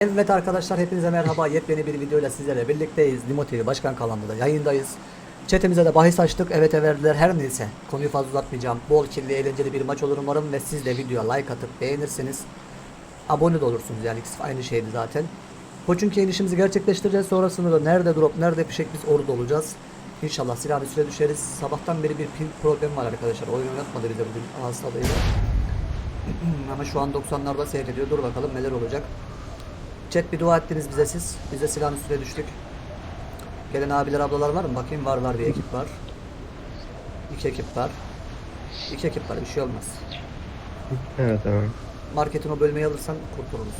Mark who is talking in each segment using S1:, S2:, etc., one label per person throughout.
S1: Evet arkadaşlar, hepinize merhaba. Yepyeni bir videoyla sizlerle birlikteyiz. Limo TV Başkan kanalında yayındayız. Chatimize de bahis açtık. Evet verdiler. Her neyse, konuyu fazla uzatmayacağım. Bol kirli eğlenceli bir maç olur umarım ve siz de videoya like atıp beğenirsiniz. Abone de olursunuz, yani ikisi aynı şeydi zaten. Koçunki inişimizi gerçekleştireceğiz. Sonrasında da nerede drop nerede fişek biz orada olacağız. İnşallah silah bir süre düşeriz. Sabahtan beri bir pil problemi var arkadaşlar. Oyun oynatmadı bize bugün hastalığıyla. Ama şu an 90'larda seyrediyor. Dur bakalım neler olacak. Chat bir dua ettiniz bize siz. Biz de silahın üstüne düştük. Gelen abiler ablalar var mı? Bakayım, var bir ekip var. 2 ekip var. 2 ekip var, bir şey olmaz.
S2: Evet tamam.
S1: Marketin o bölmeyi alırsan kurtuluruz.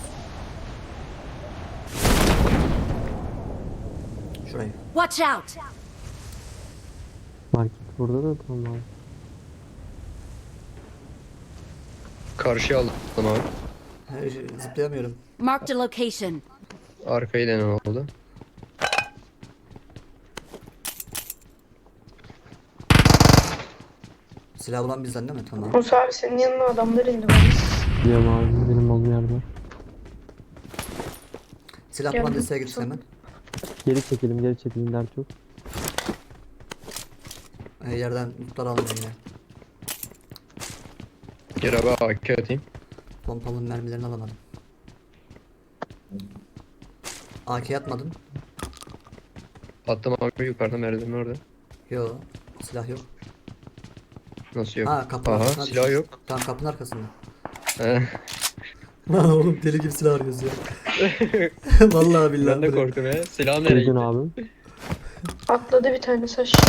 S1: Şurayı.
S3: Watch out!
S4: Market burada da tamam.
S2: Karşıya aldım abi.
S1: Zıplayamıyorum.
S3: Marked a location.
S2: Arkayı dene oldu.
S1: Silah bulan bizden değil mi? Tamam.
S5: Musa abi senin yanına adamlar indi bana.
S4: Biliyorum abi, benim olduğum yerde.
S1: Silah
S5: Geldim.
S1: bulan desteğe gitsin hemen.
S4: Geri çekelim dert yok.
S1: Yerden lootlar alın yine.
S2: Gel abi AK atayım.
S1: Pompalının mermilerini alamadım. AK atmadın.
S2: Attım abi yukarıda merdiven orada.
S1: Yo, silah yok.
S2: Nasıl yok?
S1: Ha, kapının
S2: Aha
S1: arkasına
S2: silah
S1: düşmüş.
S2: yok.
S1: Tamam, kapının arkasında.
S2: He.
S1: Lan oğlum, deli gibi silah arıyoruz ya. Vallahi billahi.
S2: Ben de
S1: buraya.
S2: korktum ya. Silah nereye
S4: Duydun
S2: gitti?
S4: abi.
S5: Atladı bir tane aşağı.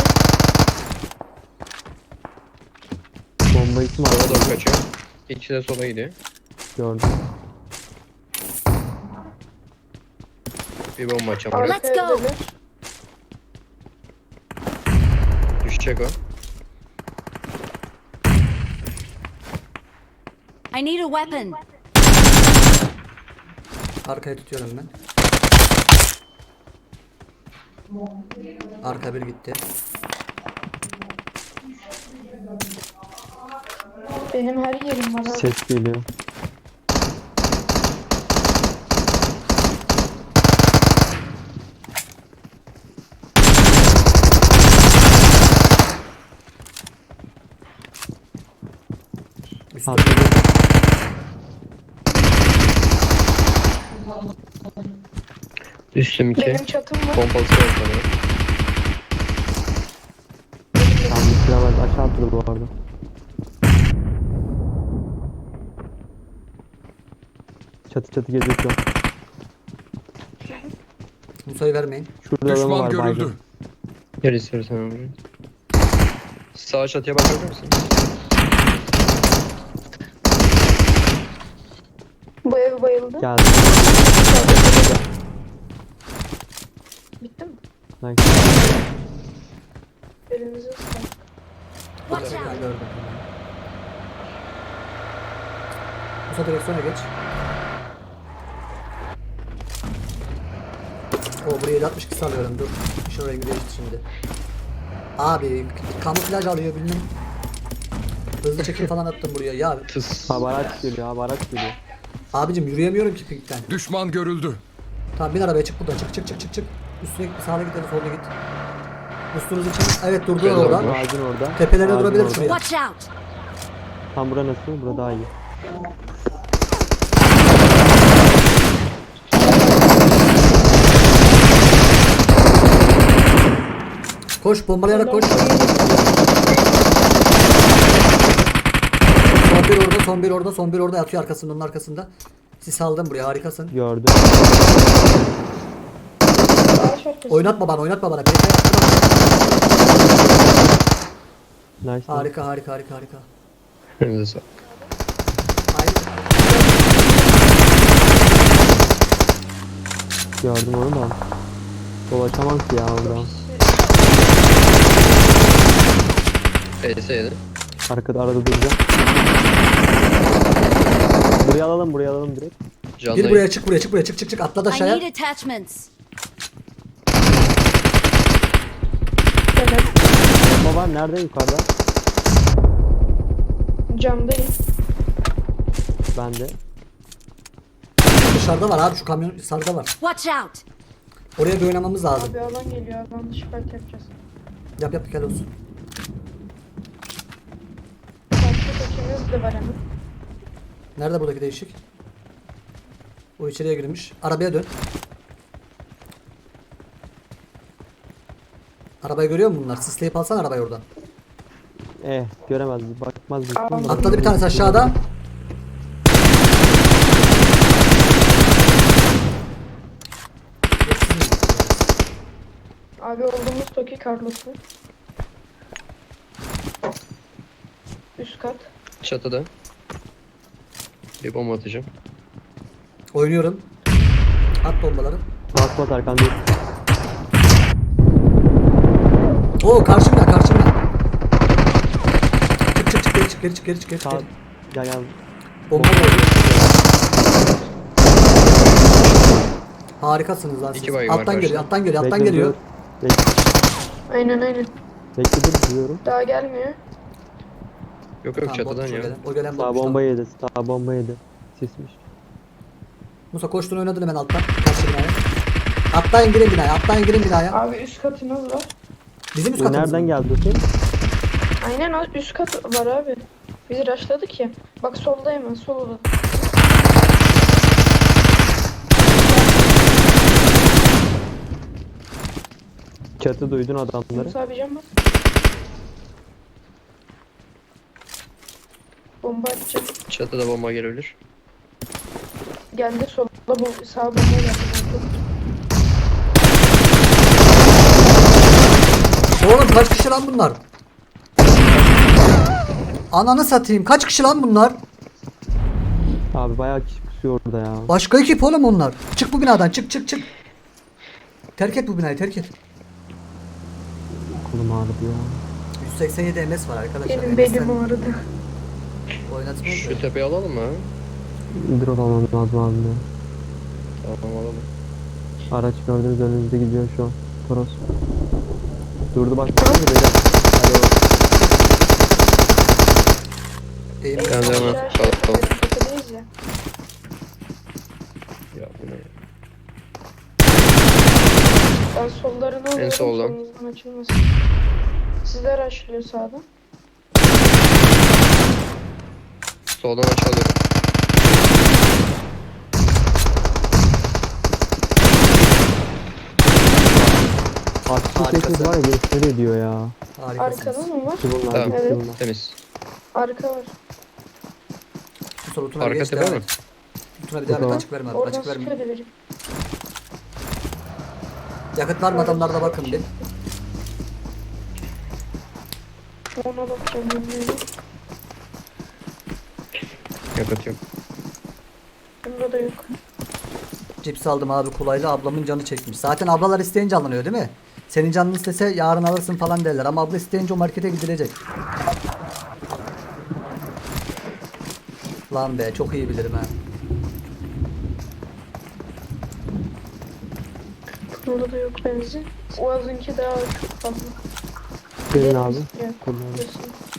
S4: Bomba isim
S2: Sola
S4: abi.
S2: doğru kaçıyor. İkisi de sola gidiyor.
S4: Gördüm.
S2: Bir bomba açacağım oraya.
S3: Let's go.
S5: Evdeler.
S2: Düşecek o.
S3: I need a weapon.
S1: Arkaya tutuyorum ben. Arka bir gitti.
S5: Benim her yerim var abi.
S4: Ses geliyor.
S1: Üstü.
S4: Abi
S2: Üstüm 2.
S5: Benim çatım var.
S2: Pompalısı var sanırım.
S4: tam bir silah var. Aşağı atladı bu arada. Çatı geziyor şu an.
S1: Musa'yı vermeyin.
S4: Şurada adamı
S6: Düşman
S4: var
S6: görüldü.
S4: baygın.
S2: Gel istersen abi. Sağ çatıya bakabilir misin?
S5: Bu ev bayıldı.
S4: Geldi.
S5: Bitti mi?
S4: Nice.
S5: Elinize sağlık.
S3: Watch
S1: Ben
S3: out!
S1: gördüm. Musa direksiyona geç. O buraya 762 alıyorum, dur. Şuraya bir değişti şimdi. Abi kamuflaj alıyor bilmem. Hızlı çekim falan attım buraya ya.
S2: Tıs.
S4: Abi araç geliyor.
S1: Abicim yürüyemiyorum ki pinkten.
S6: Düşman görüldü.
S1: Tamam, bin arabaya, çık buradan, çık. Üstüne git, sağına git ya da soluna git. Üstünüzü çık. Evet, durdular
S2: Şöyle
S1: orada.
S4: Ağacın orada.
S1: Tepelerine
S4: Ağacın
S1: durabilir
S4: orada.
S1: şuraya.
S3: Watch out!
S4: Tam bura nasıl? Bura daha iyi.
S1: Koş, bombalayarak koş. Son bir orada yatıyor arkasında, onun arkasında. Sis aldım buraya, harikasın.
S4: Gördüm.
S5: Ağaç arkası.
S1: Oynatma bana.
S4: Nice.
S1: Harika.
S2: Elinize sağlık.
S4: Gördüm onu da. Dolaşamam ki ya oradan.
S2: PS7.
S4: Arada duracağım. Buraya alalım direkt.
S1: Gir
S2: Canlı
S1: buraya, çık. Atla da
S3: I
S1: aşağıya.
S3: need attachments.
S5: Evet.
S4: Bomba var nerede? Yukarıda.
S5: Camdayım.
S4: Bende.
S1: dışarıda var abi, şu kamyon sarıda var.
S3: Watch out!
S1: Oraya bir oynamamız lazım.
S5: Abi alan geliyor. Alan dışı fight yapacağız.
S1: Yap yap, gel olsun.
S5: Başka seçeneğimiz de var hemen.
S1: Nerede buradaki değişik? O içeriye girmiş. Arabaya dön. Arabayı görüyor musun bunlar? Sisleyip alsan arabayı oradan.
S4: Göremez, bakmaz.
S1: Atladı bir tanesi aşağıda.
S5: Abi olduğumuz Toki Carlos'u. Üst kat.
S2: Çatıda. Bir bomba atacağım.
S1: Oynuyorum. At bombaları.
S4: Bas Erkan değil.
S1: Oo, karşımda karşımda. Çık çık çık, geri çık geri çık geri çık geri çık.
S4: Sağ. Gel.
S1: Bomba geliyor. Harikasınız lan siz.
S2: İki baygın var
S1: Alttan geliyor,
S2: karşıda.
S1: alttan geliyor, alttan
S4: Bekle,
S1: geliyor.
S4: dur. Bekle,
S5: Aynen.
S4: bekle diyorum.
S5: Daha gelmiyor.
S2: Yok
S1: Tamam,
S2: çatıdan
S1: botmuş o
S2: ya.
S1: gelen. O gelen
S4: Sağ
S1: botmuş,
S4: bomba
S1: tamam.
S4: yedi. Sağ bomba yedi. Sismiş.
S1: Musa koştun, oynadın hemen alttan. Karşı binaya. Atlayın, girin binaya, atlayın, girin binaya.
S5: Abi üst katınız var.
S1: Bizim üst
S4: Bu
S1: katımız
S4: nereden
S1: mı?
S4: geldi o şey?
S5: Aynen üst kat var abi. Bizi rushladık ya. Bak solda hemen sol odada.
S4: Çatı duydun adamları.
S5: Musa abi can bas. Bomba atacak.
S2: Çatıda bomba gelebilir.
S5: Geldi solda sağ bomba geldi.
S1: Oğlum kaç kişi lan bunlar? Ananı satayım, kaç kişi lan bunlar?
S4: Abi bayağı kişi pusuyor orada ya.
S1: Başka ekip oğlum onlar. Çık bu binadan, çık çık çık. Terk et bu binayı, terk et.
S4: Kolum ağrıdı ya.
S1: 187 MS var arkadaşlar.
S5: Benim belim ağrıdı.
S1: Oynatmıyor
S2: Şu
S1: mu?
S2: tepeyi alalım mı?
S4: Drone almam lazım abi ya.
S2: Tamam alalım.
S4: Araç gördüğünüz önünüzde gidiyor şu an. Toros. Durdu bak. Hadi bak.
S1: Eğim
S2: Ben de hemen
S5: Aşağı
S2: kalkalım.
S5: tepedeyiz ya.
S2: Ya bu ne?
S5: Ben sollarını alıyorum.
S2: soldan.
S5: Solunuzdan açılmasın. Sizler rushlıyor sağdan.
S2: Soldan aşağı alıyorum.
S4: Artçı
S1: Harikasın.
S4: sessiz var ya gösteri ediyor ya.
S1: harikasınız.
S5: Arkada mı var?
S4: Ki bunlar
S2: Tamam.
S4: gitti
S5: Evet.
S4: bunlar.
S2: Temiz.
S5: Arka var.
S1: Bu soru Tuna
S2: Arka
S1: geç
S2: tepe
S1: devam
S2: mi?
S1: et. Tuna bir devam et,
S4: Tamam.
S1: açık verme abi,
S5: Oradan
S1: açık verme.
S5: sıkıyor da biri.
S1: Yakıt var mı adamlarda, bakın bir.
S5: Ona bakacağım bilmiyorum.
S2: Yakıt yok.
S5: Bunda da yok.
S1: Cips aldım abi kolayla, ablamın canı çekmiş. Zaten ablalar isteyince alınıyor değil mi? Senin canın istese yarın alırsın falan derler ama abla isteyince o markete gidilecek. Lan be, çok iyi bilirim ha.
S5: Bunda da yok benzin. Oğaz'ınki daha çok fazla.
S4: Gelin abi.
S5: Evet.
S4: Kullanalım.
S5: Kesin.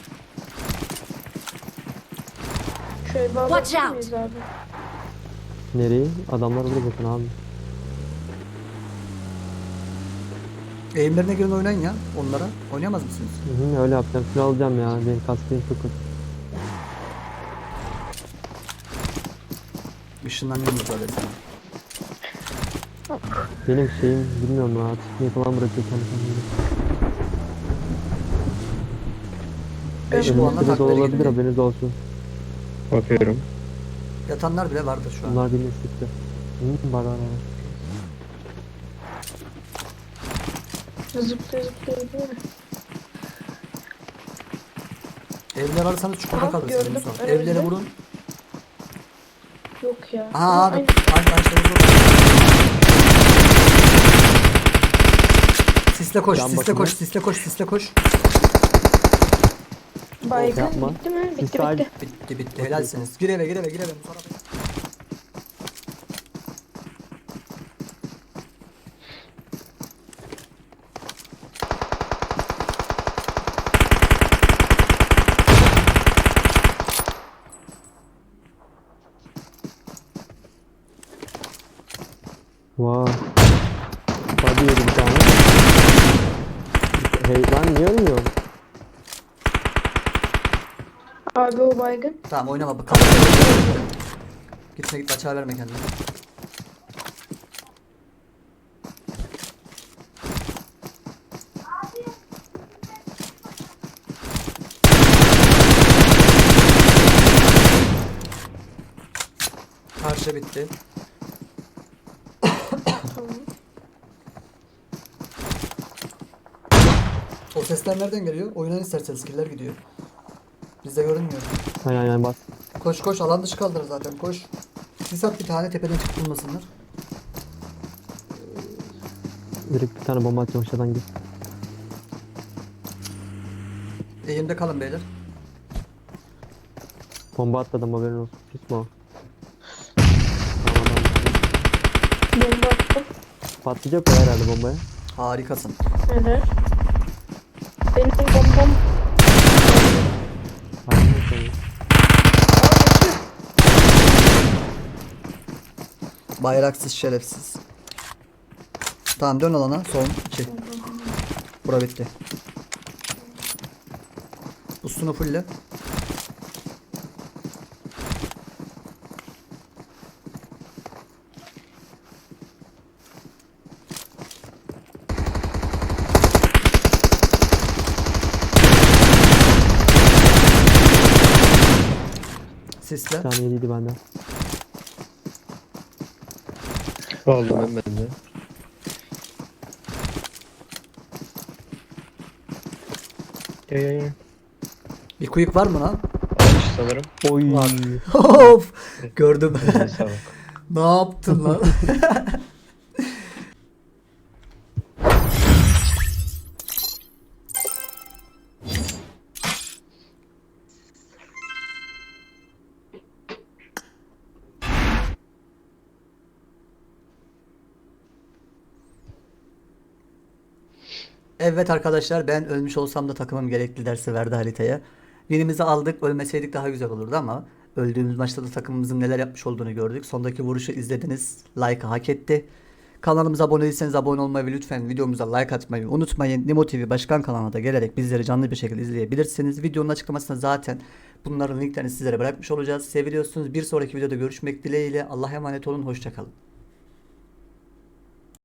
S5: Şöyle
S3: Watch
S5: bağlatır
S3: out.
S5: mıyız abi?
S4: Nereye? Adamlar burada bakın abi.
S1: Eğimlerine girin, oynayın ya onlara. Oynayamaz mısınız?
S4: Hı, öyle yapacağım. Şunu alacağım ya. Benim kaskım çok kötü.
S1: Işınlanıyorum zaten sana.
S4: Benim şeyim bilmiyorum ya. Tıkmayı falan bırakıyor kendi kendine.
S1: 5 puanla
S4: Önümüzde de
S1: takviye
S4: olabilir,
S1: gidiyor.
S4: haberiniz olsun.
S2: Bakıyorum.
S1: Yatanlar bile vardır şu an.
S4: Bunlar bir neslikte. Var.
S5: Zıplaya zıplaya gidiyor.
S1: Evleri alırsanız çukurda
S5: Aha,
S1: kalırsınız
S5: gördüm.
S1: Musa.
S5: Önümüzde.
S1: Evleri vurun.
S5: Yok ya.
S1: Aha abi.
S5: Aynen.
S1: Arkadaşlar vurun. Sisle koş,
S4: Can
S1: sisle
S4: bakımı.
S1: koş, sisle koş, sisle koş.
S5: Baygın
S4: Yapma.
S5: bitti mi?
S4: Siz
S5: Bitti
S4: sadece-
S5: bitti.
S1: Bitti bitti, helalsiniz. Gir eve, gir eve, gir eve. Musa abi.
S4: Vay. Hadi yedi bir tane. Hey lan niye ölmüyorsun?
S5: Abi o baygın.
S1: Tamam oynama. Gitme gitme, açığa verme kendini. Karşı bitti.
S5: Tamam.
S1: O sesler nereden geliyor? Oyundan istersen skiller gidiyor. Bizde görünmüyor.
S4: Aynen bas.
S1: Koş koş, alan dışı kaldır zaten, koş. Sis at bir tane, tepeden çıkıp bulmasınlar.
S4: Direkt bir tane bomba atacağım aşağıdan git.
S1: Eğimde kalın beyler.
S4: Bomba atladım haberin olsun. Pis mi o? Tamam adam düştü.
S5: Bomba attım.
S4: Patlayacak o herhalde bombaya.
S1: Harikasın.
S5: Neler? Benim bombam.
S4: Aynen öyle.
S1: Bayraksız şerefsiz. Tamam dön alana. Son 2. Bura bitti. Üstünü fulle. Sisle.
S4: Bir tane yediydi benden.
S2: Aldım ben de. Gel.
S1: Bir kuyuk var mı lan?
S2: Almış sanırım.
S4: Oy.
S1: Of! Gördüm.
S2: Eline sağlık.
S1: Ne yaptın lan? Evet arkadaşlar, ben ölmüş olsam da takımım gerekli dersi verdi haritaya. Birimizi aldık, ölmeseydik daha güzel olurdu ama öldüğümüz maçta da takımımızın neler yapmış olduğunu gördük. Sondaki vuruşu izlediniz. Like'ı hak etti. Kanalımıza abone değilseniz abone olmayı ve lütfen videomuza like atmayı unutmayın. Nimo TV Başkan kanalına da gelerek bizleri canlı bir şekilde izleyebilirsiniz. Videonun açıklamasında zaten bunların linklerini sizlere bırakmış olacağız. Seviyorsunuz. Bir sonraki videoda görüşmek dileğiyle. Allah'a emanet olun. Hoşça kalın.